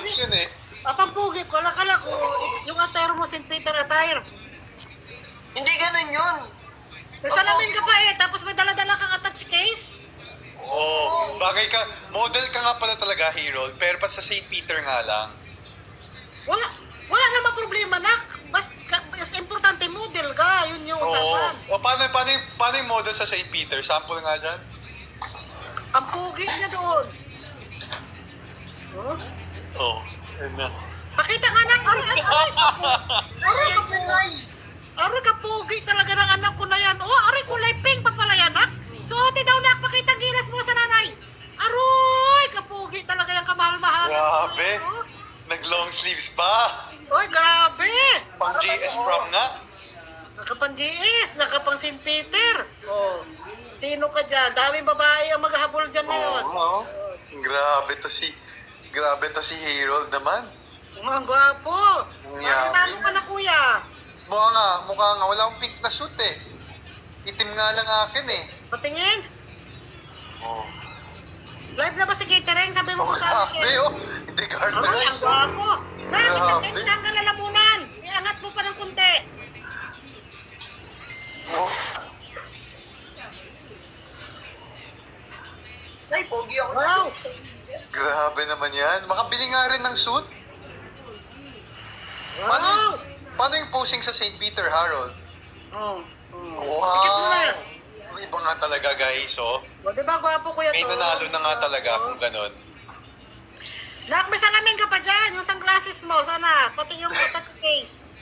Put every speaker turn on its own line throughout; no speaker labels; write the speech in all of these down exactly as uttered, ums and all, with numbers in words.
Longs yun eh.
Papampugi ko, akala ko, yung attire mo, Saint Peter attire.
Hindi ganun yun.
May salamin ka pa eh, tapos may dala-dala kang attach case.
Oo, bagay ka. Model ka nga pala talaga, Hero. Pero pa sa Saint Peter nga lang.
Wala, wala namang problema, nak. Basta, basta importante model ka, yun yung
Oo.
usapan.
O paano, paano, yung, paano yung model sa Saint Peter? Sample nga dyan.
Ang pugi niya doon. Oh?
Oo. Ayun na.
Pakita nga nak, aray, aray, aray,
Ay, yan yun, Nay.
aray ka pugi talaga ng anak ko na yan. Oh, aray kulay pink pa pala yan, nak. Suotin daw nak, pakita ang gilas mo sa nanay. Aroy, kapugi talaga yung kamahal-mahalan.
Grabe.
Oh.
Nag-long sleeves pa.
Oy, grabe.
Pang G S prom nga.
Nakapang G S, nakapang Saint Peter. Oh, sino ka dyan? Daming babae ang maghahabol dyan ngayon.
Oo. Grabe to si... Grabe to si Harold naman.
Ang gwapo.
Ang
Bakit
yabi.
ano ka na, kuya?
Mukha nga, mukha nga. Wala akong pink na suit eh. Itim nga lang akin eh.
Patingin.
Oh.
Live na ba si catering? Sabi mo
Oh,
ko sa akin,
grabe
Michelle.
oh. Hindi
Ay,
Carter.
ang gwapo. Bakit
Grabe.
ang ganda ang lalamunan? Iangat mo pa ng kunti.
Oh.
Nay, pogi ako.
Wow.
Grabe naman yan. Makabili nga rin ng suit. Paano,
Wow.
paano yung posing sa Saint Peter, Harold?
Oh. oh. Tikit mo na.
Wow! Iba nga talaga, guys, oh.
O, di ba gwapo kuya
May
to?
nanalo na nga talaga
Oh.
kung ganun.
Nak, may salamin ka pa dyan. Yung sunglasses mo, sana. Pati yung touch case.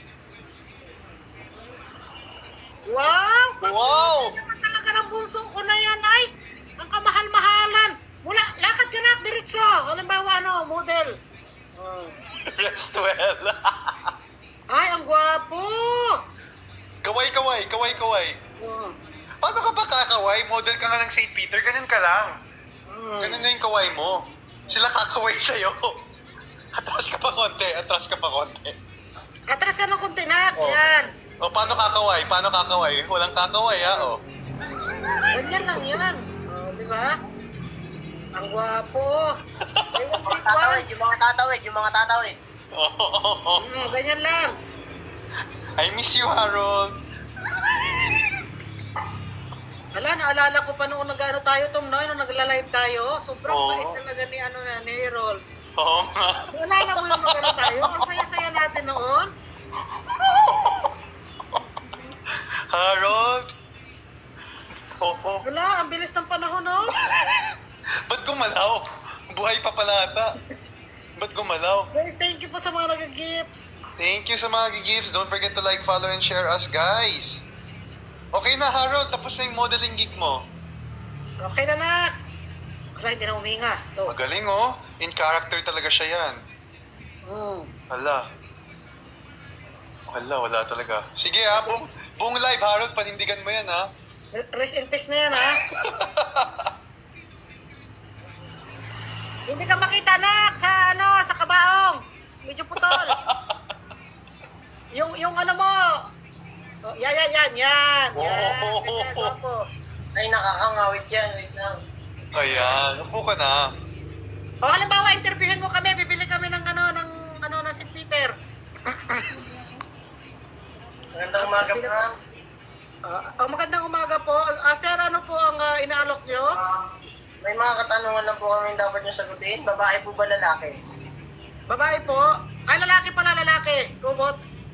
Wow!
Wow!
Naman talaga ng bunso ko na yan, ay. Ang kamahal-mahalan. Mula, lakad ka na, diretso. Halimbawa, ano, model. Oh.
Rest well.
Ay, ang gwapo.
Kaway, kaway, kaway, kaway.
Oh.
Paano ka ba kakaway? Model ka nga ng Saint Peter, ganun ka lang.
Mm.
Ganun na yung kaway mo. Sila kakaway sa'yo. Atras ka pa konti, atras ka pa konti.
Atras ka ng kunti, nak.
Oh.
Yan.
O, paano kakaway? Paano kakaway? Walang kakaway, ha? O.
Ganyan lang yan. Oh, di ba? Ang gwapo. Ay,
Yung mga
wag
tatawid, yung mga tatawid, yung mga tatawid.
Oh,
Mm, ganyan lang.
I miss you, Harold.
Hala, naalala ko pa noong nag-ano tayo, Tom, no? Nung nagla-live tayo. Sobrang
Oo.
bait talaga ni, ano na, ni Harold.
Oo nga.
Naalala mo yung nag-ano tayo? Ang saya-saya natin noon.
Harold? Oo.
Wala, ang bilis ng panahon, no?
Ba't gumalaw? Buhay pa pala ata. Ba't gumalaw?
Guys, thank you po sa mga nag-gifts.
Thank you sa mga gifts. Don't forget to like, follow, and share us, guys. Okay na, Harold. Tapos na yung modeling gig mo.
Okay na, nak. Kaya hindi na huminga. Ito.
Magaling, oh. In character talaga siya yan.
Mm.
Hala. Wala, wala talaga. Sige, ha. Buong, buong live, Harold. Panindigan mo yan, ha.
Rest in peace na yan, ha? Hindi ka makita, nak, sa ano, sa kabaong. Medyo putol. yung, yung ano mo. Oh, yan, yan, yan, yan. Yan,
Oh.
ganyan, gwapo.
Ay, nakakangawit yan. Wait lang.
Ayan. Upo ka na.
O, halimbawa, interviewin mo kami, bibili kami ng ano, ng ano, ng Saint Peter.
Magandang umaga, ma'am.
Ah, ang magandang umaga po. Ah, sir, ano po ang ah, inaalok nyo?
Ah, may mga katanungan lang po kami dapat nyo sagutin. Babae po ba lalaki?
Babae po. Ay, lalaki pala, lalaki. Robot.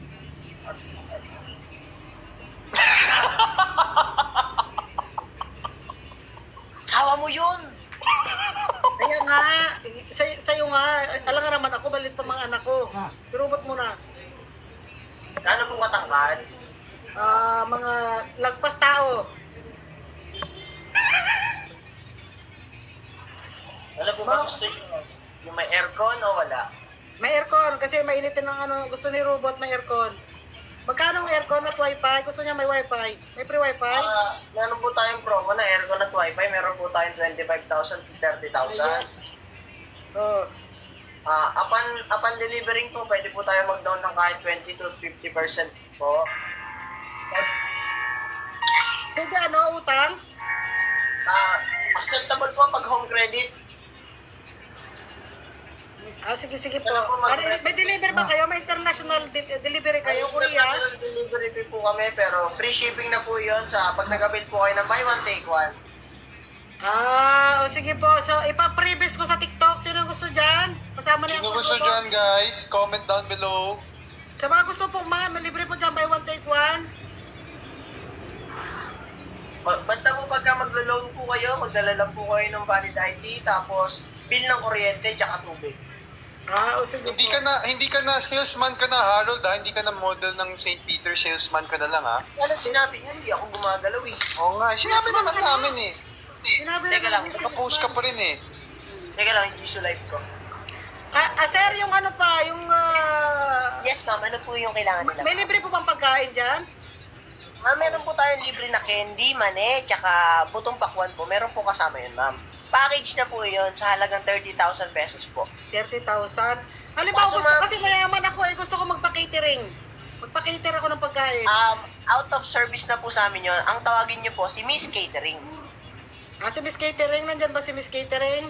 Sawa mo yun!
Kaya nga, sa, sa'yo nga, alam nga naman ako, balit pa mga anak ko. Si Robot muna.
Ano pong katangkad?
Ah, mga lagpas tao.
Ano po ba gusto nyo? Yung may aircon o wala?
May aircon, kasi mainitin ng ano, gusto ni Robot may aircon. Magkano ang aircon at wifi? Gusto niya may wifi. May free wifi?
Ah, meron po tayong promo na aircon at wifi. Meron po tayong twenty-five thousand to thirty thousand.
Oh.
Ah, upon, upon delivering po, pwede po tayo mag-down ng kahit twenty to fifty percent po.
Pwede ano, utang?
Ah, acceptable po pag home credit.
Ah, sige, sige po.
Ano po, mag-
Ano, may deliver ba kayo? May international de- delivery kayo,
May
Korea?
international delivery fee po kami, pero free shipping na po yun sa pag nag-avail po kayo ng buy one, take one.
Ah, o sige po. So, ipa-previous ko sa TikTok. Sino gusto dyan? Kasama na
Sino
yung
gusto dyan, guys? Comment down below.
Sa mga gusto po, mga malibre po dyan, buy one, take one.
Ba- Basta po pagka maglo-loan po kayo, magdala lang po kayo ng valid I D, tapos bill ng kuryente, tsaka tubig.
Ah, o sige
Hindi
po.
ka na, hindi ka na salesman ka na, Harold, ha? Hindi ka na model ng Saint Peter, salesman ka na lang, ha?
Ano sinabi niya, hindi ako gumagalaw eh.
Oo nga, sinabi naman namin, eh.
Sinabi
Teka lang,
namin,
Nakapost ka pa rin, eh.
Teka lang, hindi so live ko.
Ah, ah, sir, yung ano pa, yung... ah,
Yes ma'am, ano po yung kailangan nila?
may libre po bang pagkain dyan?
Ma'am, meron po tayong libre na candy, mane, tsaka butong pakwan po. Meron po kasama yun, ma'am. Package na po yun sa halagang thirty thousand pesos po.
thirty thousand. Halimbawa,
Kaso,
gusto,
ma'am-
kasi mayaman ako eh, gusto ko magpa-catering. Magpa-cater ako ng pagkain.
Um, out of service na po sa amin yun. Ang tawagin niyo po si Miss Catering.
Ah, si Miss Catering, nandyan ba si Miss Catering?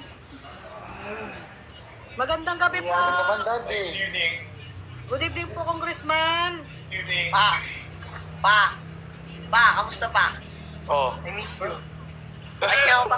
Magandang gabi po.
naman, Daddy.
Good evening po, Congressman.
Pa! Pa! Pa! Kamusta pa?
Oh.
I miss you. Ay, siya ako pa.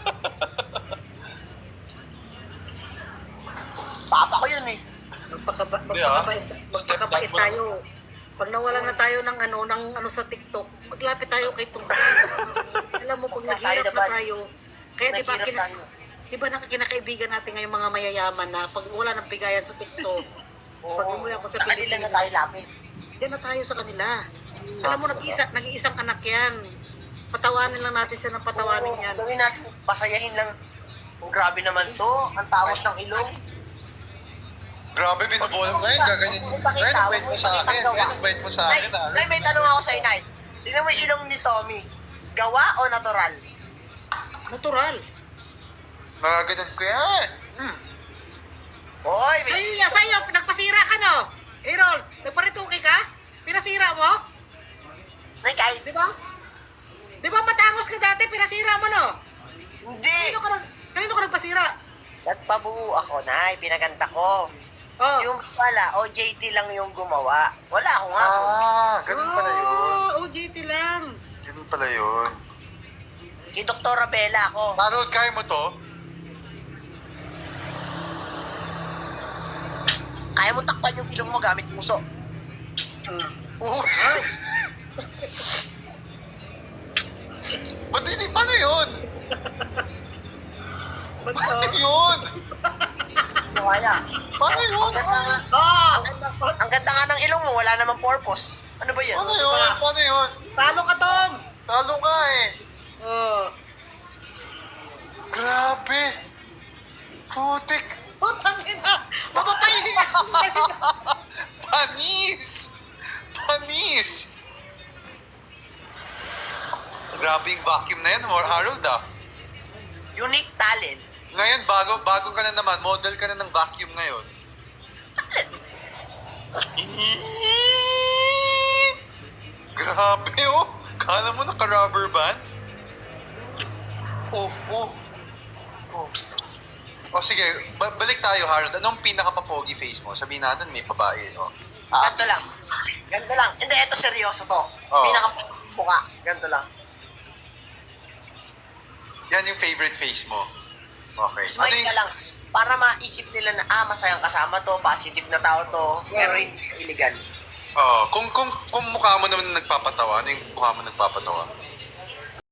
Papa ko yun eh.
Magpakaba,
Hindi, ah.
magpakabait,
Step
magpakabait
back mo lang.
tayo. Pag nawalan na tayo ng ano, ng ano sa TikTok, maglapit tayo kay Tungkol. Alam mo, pag
Tayo
naghirap na
naman.
tayo, kaya di ba,
Naghirap
kina,
tayo.
di ba nakikinakaibigan natin ngayong mga mayayaman na pag wala ng bigayan sa TikTok, pag umuwi ako sa
Sa kanila na
Pilipinas,
tayo lapit.
diyan na tayo sa kanila. Alam mo, nag-isa, nag-iisang anak yan. Patawanin lang natin siya ng patawanin
Oo,
yan.
Gawin natin, pasayahin lang. Oh, grabe naman to. Ang tamos ng ilong.
Grabe, binubulang ngayon. Gaganyan.
Huwag mo ipakita,
Ngayon, ang bait
huwag
mo
mo
sa akin.
ipakita gawa.
Ngayon, ang bait mo sa
Nay,
akin, ha?
Nay, may tanong ako sa inay. Tingnan mo yung ilong ni Tommy. Gawa o natural?
Natural.
Nagaganyan ko yan. Hmm.
Hoy, may...
Sa'yo yan, sa'yo, nagpasira ka no? Errol, nagparituki ka? Pinasira mo?
Nay, kahit...
Di ba? Di ba matangos ka dati, pinasira mo no?
Hindi!
Kanino ka, nag- kanino ka nagpasira?
Nagpabuo ako, Nay. Pinaganda ko.
Oh.
Yung pala, O J T lang yung gumawa. Wala ako nga.
Ah, ganun pala yun.
Oh, O J T lang.
Ganun pala yun.
Si Doktora Bella ako.
Harold, kaya mo to?
Kaya mo takpan yung ilong mo gamit puso.
Ah.
Uh. Ba't hindi? Paano yun?
Ba't
Paano
oh?
yun?
So, kaya.
Paano yun?
Ang ganda nga.
Oh!
Ang ganda, ang ganda nga ng ilong mo, wala namang purpose. Ano ba yan?
Paano yun? Paano yun?
Talo ka, Tom!
Talo ka eh.
Oh.
Grabe. Putik.
Putang ina! Mapapahiya ka
Panis! Panis! Grabe yung vacuum na yan, more Harold ah.
Unique talent.
Ngayon, bago bago ka na naman, model ka na ng vacuum ngayon. Grabe oh! Kala mo naka-rubber band? Oh, oh. Oh. O sige, ba- balik tayo Harold. Anong pinaka-papogi face mo? Sabihin natin may babae, oh. Ah,
Ganto lang. Ganto lang. Hindi, ito seryoso to.
Oo.
Pinaka-puka. Ganto lang.
yan yung favorite face mo. Okay.
Smile
yung-
ka lang. Para maisip nila na, ah, masayang kasama to, positive na tao to, pero hindi sa iligan.
Oh, kung kung kung mukha mo naman nagpapatawa, ano yung mukha mo nagpapatawa?